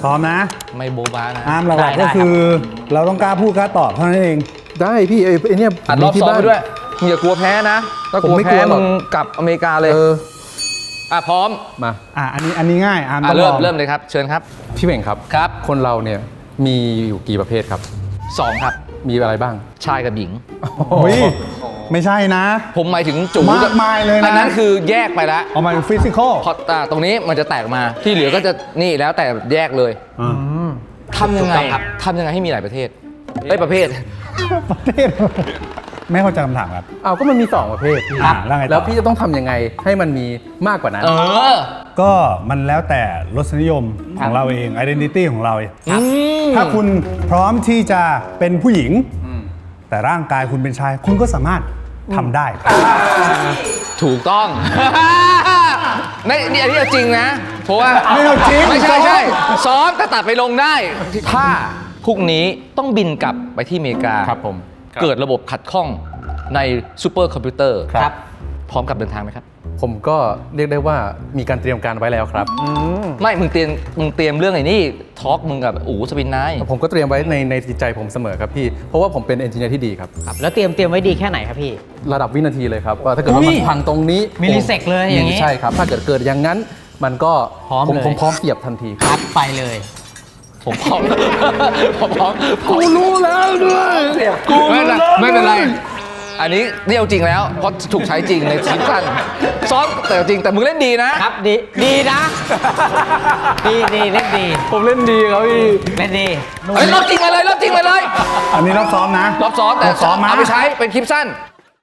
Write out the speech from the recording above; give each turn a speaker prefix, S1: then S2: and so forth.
S1: พร้อมนะ
S2: ไม่โบ๊ะบ้านะ
S1: อาร์มหลักๆก็คือเราต้องกล้าพูดกล้าตอบเท่านั้นเอง
S3: ได้พี่ไอ้เนี่ย
S2: อัดรอบสองไปด้วยมึงอย่ากลัวแพ้นะถ้ากลัวแพ้มึงกลับอเมริกาเลยพร้อม
S3: มา
S1: อันนี้ง่ายอาร์มต้องลอง
S2: เริ่มเลยครับเชิญครับ
S3: พี่เบ่งครับ
S2: ครับ
S3: คนเราเนี่ยมีอยู่กี่ประเภทครับ
S2: 2 ครับ
S3: มีอะไรบ้าง
S2: ชายกับหญิง
S1: เฮ้ยไม่ใช่นะ
S2: ผมหมายถึงจู
S1: มากมายเลยนะ
S2: อันนั้นคือแยกไปแล้ว
S1: เอามาเป็นฟิสิกอล
S2: พอตรงนี้มันจะแตกมาที่เหลือก็จะนี่แล้วแต่แยกเลยทำยังไงให้มีหลายประเทศประเภท
S1: ประเทศไม่เข้าใจคำถามครับ
S3: เอาก็มันมี2ประเภทพี่
S1: แล้วไงต่อ
S3: แล้วพี่จะต้องทำยังไงให้มันมีมากกว่านั้น
S1: ก็มันแล้วแต่รสนิยมของเราเอง identity ของเราถ้าคุณพร้อมที่จะเป็นผู้หญิง แต่ร่างกายคุณเป็นชาย คุณก็สามารถทำได้
S2: ถูกต้อง นี่อันนี้จริงนะ เพราะว่า
S1: ไม่เอาจริง
S2: ไม่ใช่ซ้อมแต่ตัดไปลงได้ ถ้าพรุ่งนี้ต้องบินกลับไปที่อเมริกา
S3: ครับผม
S2: เกิดระบบขัดข้องในซูเปอร์คอมพิวเตอร์
S3: ครับ
S2: พร้อมกับเดินทางไหมครับ
S3: ผมก็เรียกได้ว่ามีการเตรียมการไว้แล้วครับ
S2: ไม่มึงเตรียมเรื่องไอ้นี่ทอล์กมึงกับอู๋สปินไนท์
S3: ผมก็เตรียมไว้ในจิตใจผมเสมอครับพี่เพราะว่าผมเป็นเอนจิเนียร์ที่ดีครับ
S4: ครับแล้วเตรียมไว้ดีแค่ไหนครับพี่
S3: ระดับวินาทีเลยครับว่าถ้าเกิดว่ามันพังตรงนี้
S4: มิลลิเซกเลยอย่างนี้
S3: ใช่ครับถ้าเกิดอย่างนั้นมันก็
S4: พร้อมเลย
S3: ผมพร้อมเสียบทันที
S4: ครับไปเลย
S2: ผมพร้อม ผมพร้อม
S3: กูรู้แล้วด้วย
S2: กูไม่เป็นไร อันนี้เรียวจริงแล้ว เพราะถูกใช้จริงในซีซั่นซ้อมแต่จริงแต่มึงเล่นดีนะครับ
S4: ดีนะดีเล่นดี
S3: ผมเล่นดีครับพี่
S4: เล่นดี
S2: เฮ้ยรอบจริงมาเลย
S1: อันนี้รอบซ้อมนะ
S2: รอบซ้อมแต่
S1: รอบซ้อมมา
S2: เอาไปใช้เป็นคลิปสั้น